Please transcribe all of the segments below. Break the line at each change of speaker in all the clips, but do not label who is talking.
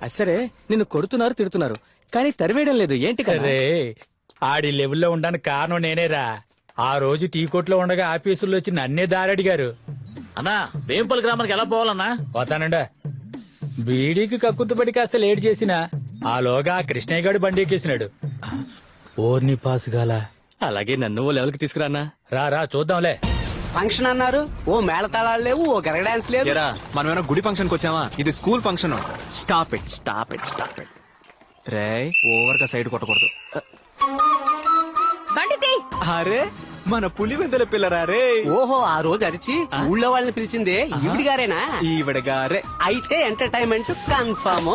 సరే నిన్ను కొడుతున్నారు తిడుతున్నారు కానీ తరివేయడం లేదు ఏంటి కదా
అరే ఆడి లెవెల్లో ఉండడానికి కారణం నేనేరా. ఆ రోజు టీ కొట్లో ఉండగా ఆఫీసుల్లో వచ్చి నన్నే దారడిగారు.
అన్నా వేంపల్లి గ్రామానికి ఎలా పోవాలన్నా?
పోతానండా. బీడీకి కక్కుతుపడి కాస్త లేట్ చేసినా ఆలోగా ఆ కృష్ణయ్య గారు బండి ఎక్కేసినాడు. ఓర్ని పాస్ గాల.
అలాగే నన్ను ఓ లెవెల్కి తీసుకురానా.
రా చూద్దాంలే.
ఫంక్షన్ అన్నారు, ఓ మేళతాళాలు లేవు, ఓ గరగ డాన్స్ లేదు.
మనం ఏమైనా గుడి ఫంక్షన్ కి వచ్చామా? ఇది school function. Stop it stop it stop it. రే ఓవర్ గా సైడ్ కొట్టకూడదు. అరే మన పులివెందుల పిల్లరా రే.
ఓహో ఆ రోజు అరిచి ఊళ్ళో వాళ్ళని పిలిచిందే ఈవిడ గారేనా?
ఈవిడ గారే.
అయితే ఎంటర్టైన్మెంట్ కన్ఫర్మ్.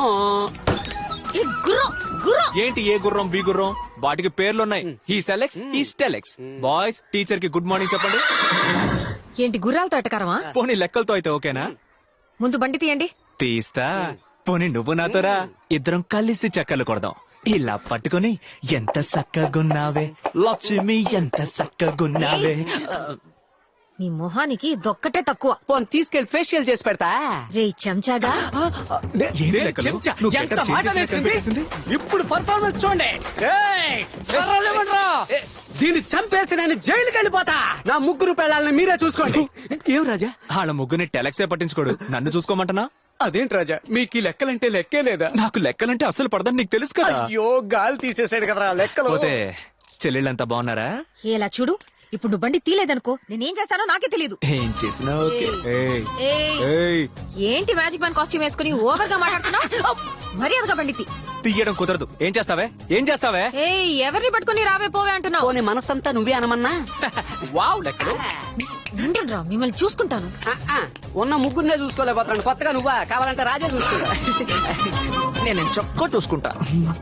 ఏంటి ఏ గుర్రం బి గుర్రం? వాటికి పేర్లున్నాయి. He selects he selects. Boys teacher కి గుడ్ మార్నింగ్ చెప్పండి.
ఏంటి గుర్రాలతో ఎట్టకారమా?
పోనీ లెక్కలతో అయితే ఓకేనా?
ముందు బండి తీయండి.
తీస్తా. పోనీ నువ్వు నాతోరా, ఇద్దరం కలిసి చక్కలు కొడదాం. ఇలా పట్టుకుని ఎంత సక్కగున్నావే లక్ష్మి, ఎంత సక్కగున్నావే.
మీ మొహానికి దొక్కటే తక్కువ.
పోనీ తీసుకెళ్లి ఫేషియల్ చేసి పెడతా.
రే చెంచాగా.
ఏంటి లెక్కలు?
చెంచా,
నువ్వు
ఎంత
getup
మాట
change చేసినట్టు
వేసింది?
కనిపిస్తుంది.
ఇప్పుడు పర్ఫార్మెన్స్ చూడండి. ఏయ్, కర్రలు ఇవ్వండ్రా. దీన్ని చంపేసి నేను జైలుకి వెళ్ళిపోతా. నా ముగ్గురు పెళ్ళాలని మీరే చూసుకోండి. ఏం రాజా?
వాళ్ళ ముగ్గురిని టెలెక్సే పట్టించుకోడు, నన్ను చూసుకోమంటనా?
అదేంటి రాజా, మీకు ఈ లెక్కలంటే లెక్కే లేదా?
నాకు లెక్కలంటే అసలు పడదని నీకు తెలుసు కదా.
అయ్యో గాలి తీసేసాడు కదరా లెక్కలు.
పోతే చెల్లెళ్ళంతా బాగున్నారా?
ఎలా చూడు, ఇప్పుడు నువ్వు బండి తీలేదనుకో నేనేం చేస్తానో నాకే తెలియదు.
ఏం చేసినా ఓకే. ఏయ్,
ఏయ్,
ఏయ్,
ఏంటి మ్యాజిక్ మ్యాన్ కాస్ట్యూమ్ వేసుకుని ఓవర్ గా మాట్లాడుతున్నావు? మర్యాదగా బండి తీ.
తీయడం కుదరదు. ఏం చేస్తావే ఏం చేస్తావే?
ఏయ్, ఎవరిని పట్టుకుని రావే పోవే అంటున్నావు?
పోనీ మనసంతా నువ్వే అనమన్నా.
వావ్ లెక్కలు.
ఉండండి రా, మిమ్మల్ని చూసుకుంటాను.
ఉన్న ముగ్గురునే చూసుకోలేకపోతున్నాను, కొత్తగా నువ్వా? కావాలంటే రాజా చూసుకుంటా.
నేను చొక్కా చూసుకుంటా.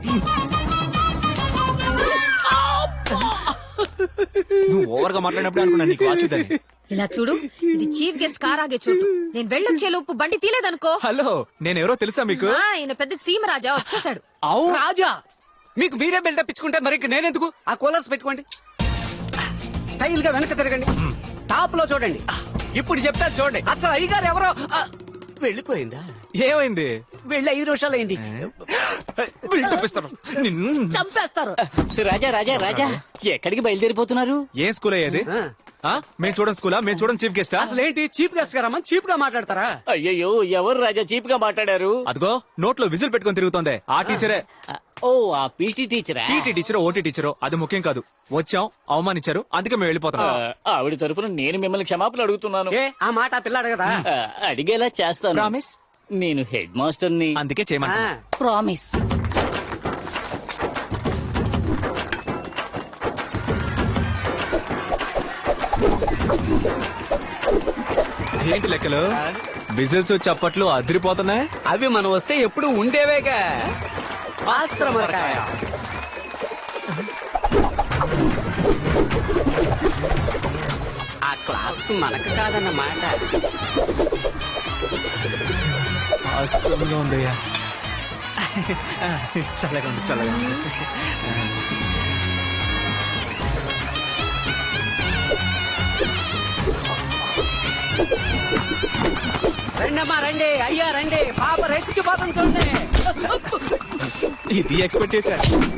నువ్వు ఓవర్ గా మాట్లాడినప్పుడు అనుకున్నా నీకు వాచుదని.
ఇలా చూడు, ఇది చీఫ్ గెస్ట్ కార్ ఆగే చోటు. నేను వెళ్ళొచ్చే లోపు బండి తీలేదనుకో.
హలో, నేను ఎవరో తెలుసా మీకు?
ఈయన పెద్ద సీమరాజా వచ్చేసాడు.
అవు రాజా, మీకు మీరే బిల్డప్ ఇచ్చుకుంటే మరి నేనెందుకు? ఆ కూలర్స్ పెట్టుకోండి, స్టైల్ గా వెనక తిరగండి, టాప్ లో చూడండి. ఇప్పుడు చెప్తా చూడండి. అసలు అయ్యగారు ఎవరో వెళ్ళిపోయిందా?
ఏమైంది?
వెళ్ళి 5 నిమిషాలు అయింది.
బిల్డప్ ఇస్తాను. నిన్ను
చంపేస్తారు.
రాజా రాజా రాజా, ఎక్కడికి బయలుదేరిపోతున్నారు?
ఏం స్కూల్ అయ్యేది? మేము చూడండి స్కూలా? మేము చూడండి చీఫ్ గెస్ట్.
అసలు ఏంటి చీఫ్ గెస్ట్ గారమ్మా? చీప్ గా మాట్లాడతారా?
అయ్యయ్యో, ఎవరు రాజా చీప్ గా మాట్లాడారు?
అదిగో నోట్లో విజిల్ పెట్టుకుని తిరుగుతోంది ఆ టీచరే.
ఓ, ఆ పీటీ టీచరా?
పీటీ టీచరో ఓటీ టీచరో అది ముఖ్యం కాదు. వచ్చాం, అవమానించారు, అందుకే మేము వెళ్ళిపోతాం.
ఆవిడ తరపున నేను మిమ్మల్ని క్షమాపణ అడుగుతున్నాను.
ఏ ఆ మాట ఆ పిల్ల అడగదా?
అడిగేలా చేస్తాను.
ప్రామిస్?
నేను హెడ్ మాస్టర్ ని,
అందుకే చేయమంటా.
ప్రామిస్.
ఏంటి లెక్కలు? విజిల్స్ చప్పట్లు అదిరిపోతున్నాయి.
అవి మనం వస్తే ఎప్పుడు ఉండేవేగా. ఆశ్రమకాయ. ఆ క్లాప్స్ మనకు కాదన్నమాట.
అస్సలుగా ఉందయ్యా. చల్లగా ఉంది చల్లగా ఉంది.
రండమ్మా రండి, అయ్యా రండి, పాప రెచ్చిపోతాం చూడండి.
ఇది ఎక్స్పెక్ట్ చేశా.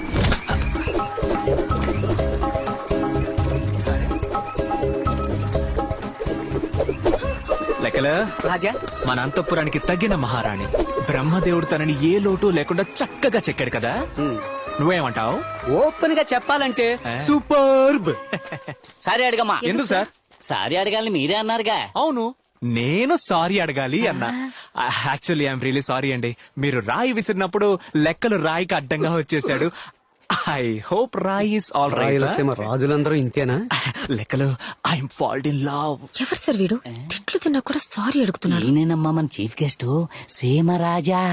లెక్కలు
రాజా,
మన అంతఃపురానికి తగిన మహారాణి. బ్రహ్మదేవుడు తనని ఏ లోటు లేకుండా చక్కగా చెక్కాడు కదా. నువ్వేమంటావు?
ఓపెన్ గా చెప్పాలంటే సూపర్బ్.
సారీ అడగమ్మా.
ఎందుకు సార్?
సారీ అడగాలని మీరే అన్నారుగా.
అవును, నేను సారీ అడగాలి అన్నా. యాక్చువల్లీ ఐఎమ్ రియలీ సారీ అండి. మీరు రాయి విసిరినప్పుడు లెక్కలు రాయికి అడ్డంగా వచ్చేసాడు. I hope Rayi is all right.
రాజులందరూ ఇంతేనా?
లెక్కలు ఐఎమ్ ఫాల్ట్ ఇన్ లవ్.
ఎవరు సార్ వీడు? తిట్లు తిన్నా కూడా సారీ అడుగుతున్నాడు.
నేనేనమ్మా మన చీఫ్ గెస్ట్ సీమరాజా.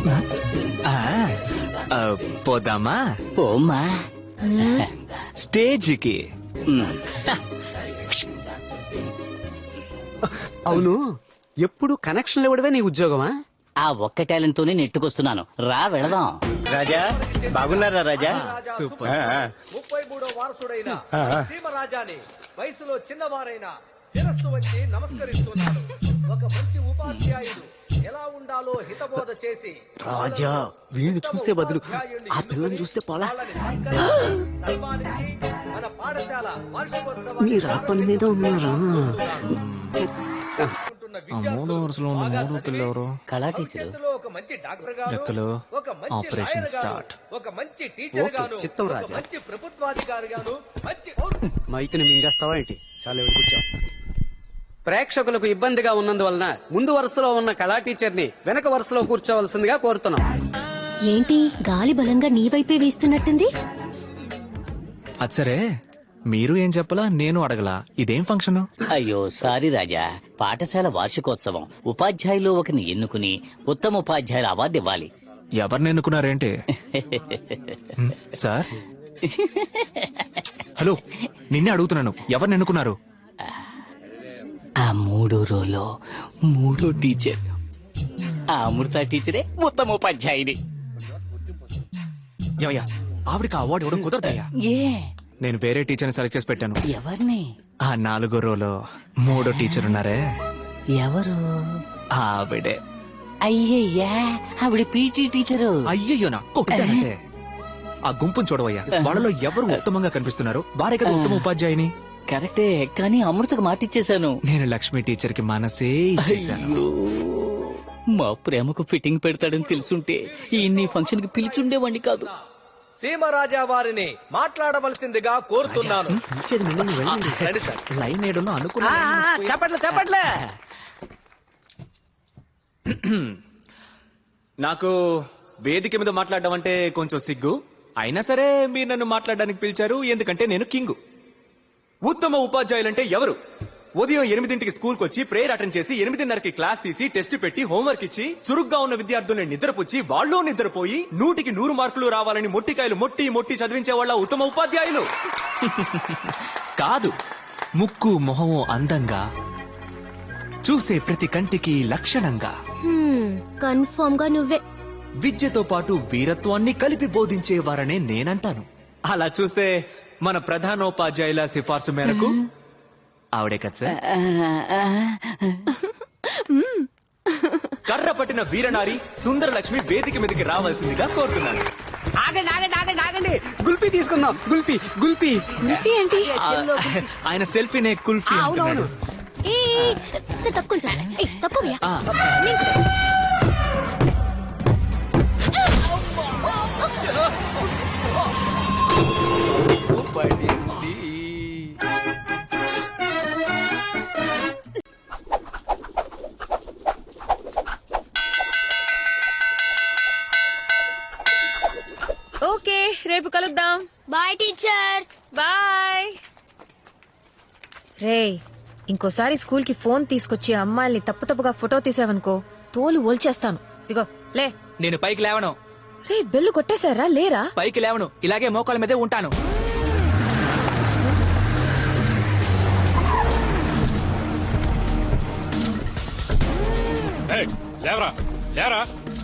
పోదామా?
పోమ్మా.
స్టేజ్కి.
అవును, ఎప్పుడు కనెక్షన్లు ఇవ్వడమే నీ ఉద్యోగమా?
ఆ ఒక్క టాలెంట్ తోనే నెట్టుకొస్తున్నాను. రా వెళదాం. రాజా బాగున్నారా? రాజా
సూపర్.
33వ వారసుడైన సీమరాజాని వయసులో చిన్నవారైన శిరస్సు వచ్చి నమస్కరిస్తున్నాడు. ఒక మంచి ఉపాధ్యాయుడు ఎలా ఉండాలో హితబోధ చేసి
రాజా వీడిని చూసే బదులు ఆ పిల్లని చూస్తే పోలా.
సన్మానించి మన పాఠశాల వార్షికోత్సవాన్ని
మీరు ఆ పని మీద ఉన్నారా?
మూడో వరుసలో ఉన్న మూడో పిల్లెవరు?
కళా టీచరు
భవిష్యత్తులో ఒక మంచి డాక్టర్ గాను,
లెక్కలు.
ఒక మంచి
ఆపరేషన్
లాయర్ గాను,
స్టార్ట్.
ఒక మంచి టీచర్
ఓకే,
గాను,
చిత్తం
ఒక
రాజా.
మంచి ప్రభుత్వాధికారి గాను, మంచి
మైక్ని మింగేస్తావా ఏంటి? చాలా ఎవరు కూర్చో. ప్రేక్షకులకు ఇబ్బందిగా ఉన్నందువలన ముందు వరుసలో ఉన్న కళా టీచర్ని వెనక వరుసలో కూర్చోవలసిందిగా కోరుతున్నాం.
ఏంటి గాలి బలంగా నీ వైపే వీస్తున్నట్టుంది?
అది సరే, మీరు ఏం చెప్పలా, నేను అడగలా. ఇదేం ఫంక్షన్?
అయ్యో సారీ రాజా, పాఠశాల వార్షికోత్సవం. ఉపాధ్యాయులు ఒకరిని ఎన్నుకుని ఉత్తమ ఉపాధ్యాయుల అవార్డు ఇవ్వాలి.
ఎవరిని ఎన్నుకున్నారేంటి? సార్, హలో, నిన్నే అడుగుతున్నాను, ఎవరిని ఎన్నుకున్నారు?
ఆ మూడో రోలో మూడో టీచర్ ఆ అమృత టీచరే ఉత్తమ ఉపాధ్యాయుని.
ఏమయ్యా, ఆవిడకి అవార్డు ఇవ్వడం కుదరదయ్యా.
ఏ
నేను వేరే టీచర్ని సెలెక్ట్ చేసి పెట్టాను.
ఎవరిని?
ఆ 4వ రోలో మూడో టీచర్ ఉన్నారే,
ఎవరు?
ఆవిడే.
అయ్యయ్యా, ఆవిడ పీటీ టీచరు.
అయ్యయ్యో, నా కొట్టానంటే. ఆ గుంపును చూడవయ్యా, వాళ్ళలో ఎవరు ఉత్తమంగా కనిపిస్తున్నారు వారే కదా ఉత్తమ ఉపాధ్యాయుని.
కరెక్టే, కానీ అమృతకు మాటిచ్చేశాను.
నేను లక్ష్మి టీచర్ కి మనసే ఇచ్చేశాను.
అయ్యో, మా ప్రేమకు ఫిట్టింగ్ పెడతాడని తెలుసుంటే ఈ ఫంక్షన్ కి పిలిచుండేవాణ్ణి కాదు.
సీమరాజా వారిని మాట్లాడవలసిందిగా కోరుతున్నాను. రండి సార్.
లైన్ ఏడులో అనుకున్నా.
చెప్పట్లే చెప్పట్లే.
నాకు వేదిక మీద మాట్లాడడం అంటే కొంచెం సిగ్గు. అయినా సరే మీరు నన్ను మాట్లాడడానికి పిలిచారు, ఎందుకంటే నేను కింగు. ఉత్తమ ఉపాధ్యాయులంటే ఎవరు? ఉదయం 8ంటికి స్కూల్కి వచ్చి ప్రేయర్ అటెండ్ చేసి 8:30కి క్లాస్ తీసి టెస్ట్ పెట్టి హోంవర్క్ ఇచ్చి చురుగ్గా ఉన్న విద్యార్థుల్ని నిద్రపుచ్చి వాళ్ళు నిద్రపోయి 100కి 100 మార్కులు రావాలని మొట్టికాయలు మొట్టి చదివించే వాళ్ళ ఉత్తమ ఉపాధ్యాయులు కాదు. ముక్కు మొహము అందంగా, చూసే ప్రతి కంటికి లక్షణంగా,
కన్ఫర్మ్ గా నువ్వే.
విద్యతో పాటు వీరత్వాన్ని కలిపి బోధించేవారనే నేనంటాను. అలా చూస్తే మన ప్రధానోపాధ్యాయుల సిఫార్సు మేరకు ఆవిడే కదా సార్. కర్ర పట్టిన వీరనారి సుందర లక్ష్మి వేదిక మీదకి రావాల్సిందిగా కోరుతున్నాను.
ఆగండి ఆగండి ఆగండి ఆగండి, గుల్పీ తీసుకుందాం. గుల్పీ గుల్పీ.
కుల్ఫీ ఏంటి?
ఆయన సెల్ఫీనే కుల్ఫీ అంటున్నాడు.
తక్కువ.
ఓకే, రేపు కలుద్దాం.
Bye teacher.
బాయ్. రే, ఇంకోసారి స్కూల్ కి ఫోన్ తీసుకొచ్చి అమ్మాయిల్ని తప్పుగా ఫోటో తీసావనుకో తోలు ఓల్చేస్తాను. ఇదిగో లే.
నేను పైకి లేవను.
రే, బెల్లు కొట్టేశారా? లేరా?
పైకి లేవను, ఇలాగే మోకాళ్ళ మీదే ఉంటాను.
లేవరా లేరా.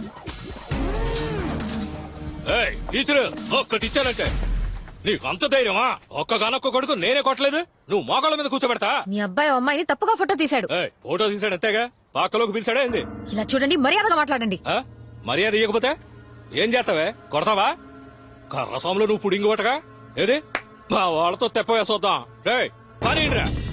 టీచరు ఒక్కటి ఇచ్చానంటే నీకు అంత ధైర్యమా? ఒక్కగానొక్క కొడుకు నేనే కొట్టలేదు, నువ్వు మోకాళ్ళ మీద కూర్చోబెడతా?
మీ అబ్బాయి అమ్మాయిని తప్పుగా ఫోటో తీశాడు.
ఫోటో తీసాడు అంతేగా, పాకలోకి పిలిచాడా ఏంది?
ఇలా చూడండి, మర్యాదగా మాట్లాడండి.
మర్యాద ఇవ్వకపోతే ఏం చేస్తావే? కొడతావా? కర్రసాములో నువ్వు పుడింగి కొట్టగా ఏది మా వాళ్ళతో తెప్ప వేసొద్దాం. రే పని